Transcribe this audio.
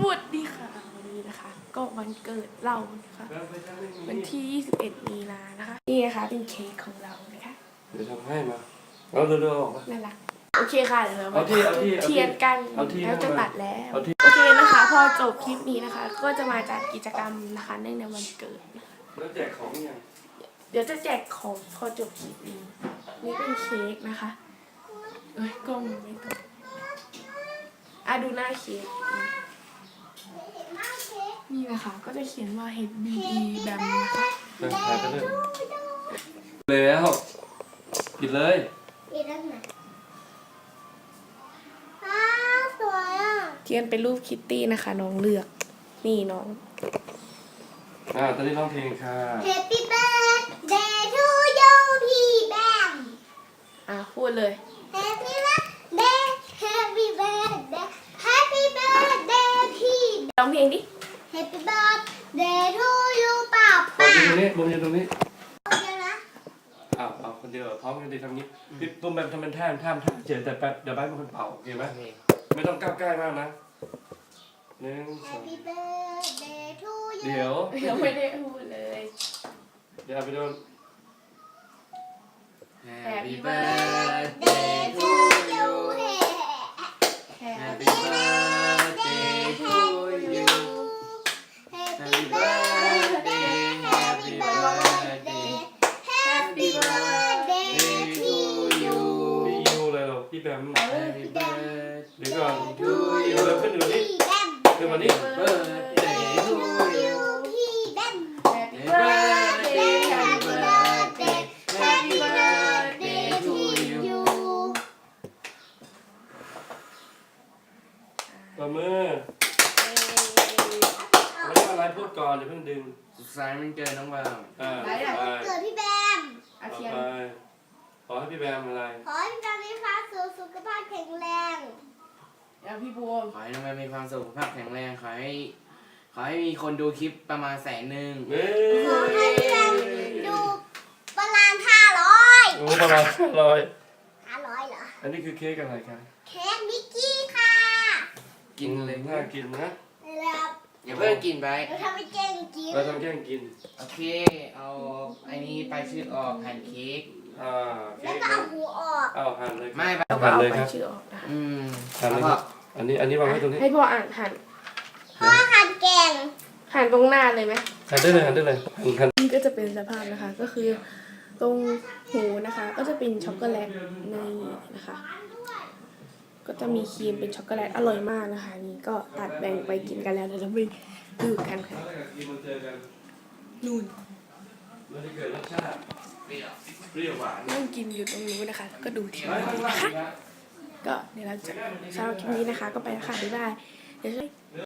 วัสดีค่ะวันนี้นะคะก็วันเกิดเรานะคะวันที่21มีนานะคะนี่นะคะเป็นเค้กของเรานะคะเดี๋ยวทำให้มาเอาเร็วๆออกมาน่ารักโอเคค่ะเดี๋ยวเราเอาที่เทียนกันแล้วจะตัดแล้วโอเคนะคะพอจบคลิปนี้นะคะก็จะมาจัดกิจกรรมนะคะในวันเกิดนะคะแล้วแจกของยังเดี๋ยวจะแจกของพอจบคลิปนี้นี่เป็นเค้กนะคะเอ้ยกล้องไม่ตรงดูหน้าเค้กนี่นะคะก็จะเขียนว่า HBE แบบนะคะถ่ายไปเลยแล้วกินเลยกินแล้วไหนสวยอ่ะเทียนเป็นรูปคิตตี้นะคะน้องเลือกนี่น้องตอนนี้ร้องเพลงค่ะ Happy birthday to you พี่แบมพูดเลย Happy birthday Happy birthday Happy birthday พี่ร้องเพลงดิ Happy birthday to you ป้าป้าตรงนี้มุมยืนตรงนี้คนเดียวนะเอาคนเดียวพร้อมกันดีทำนี้พี่ตุ้มแบบทำเป็นแท่นเฉยแต่แป๊บเดี๋ยวใบเป็นคนเป่าโอเคไหมไม่ต้องก้าวใกล้มากนะ1 2 Happy birthday to you เดี๋ยวยังไม่ได้พูดเลยเดี๋ยวไปโดน Happy birthday to you Happy birthday to you Happy birthday Happy birthday Happy birthday to you พี่ยูเลยหรอพี่แบม Happy birthday เดี๋ยวก่อนเราขึ้นอยู่นี่ขึ้นมานี่ Birthday to you พี่แบม Happy birthday Happy birthday Happy birthday to you ปรบมือไม่ได้อะไรพูดก่อนอย่าเพิ่งดึงสุดท้ายมันเกินน้องบามเกิดพี่แบมอาเทียนขอให้พี่แบมอะไรขอให้พี่แบมมีความสุขภาพแข็งแรงพี่บัวขอให้น้องบามมีความสุขภาพแข็งแรงขอให้มีคนดูคลิปประมาณ100,000 ขอให้พี่แบมดูประมาณ500 โอ้ประมาณ500 เหรออันนี้คือเค้กอะไรครับเค้กมิกกี้ค่ะกินเลยน่ากินนะแล้วอย่าเพิ่งกินไปเราทำให้แกล้งกินเราทำแกล้งกินโอเคเอาไอ้นี้ไปชื่อออกหั่นเค้กแล้วก็เอาหูออกหั่นเลยไม่ไปหั่นเลยครับหั่นเลยอันนี้วางไว้ตรงนี้ให้พ่อหั่นพ่อหั่นแกงหั่นตรงหน้าเลยไหมหั่นได้เลยหั่นนี่ก็จะเป็นสภาพนะคะก็คือตรงหูนะคะก็จะเป็นช็อกโกแลตในนะคะก็จะมีครีมเป็นช็อกโกแลตอร่อยมากนะคะนี่ก็ตัดแบ่งไปกินกันแล้วเดี๋ยวเราไปดูกันค่ะนู่นนั่งกินอยู่ตรงนู้นนะคะแล้วก็ดูทีวีนะคะก็เดี๋ยวเราจะสำหรับคลิปนี้นะคะก็ไปแล้วค่ะบ๊ายบายเดี๋ยว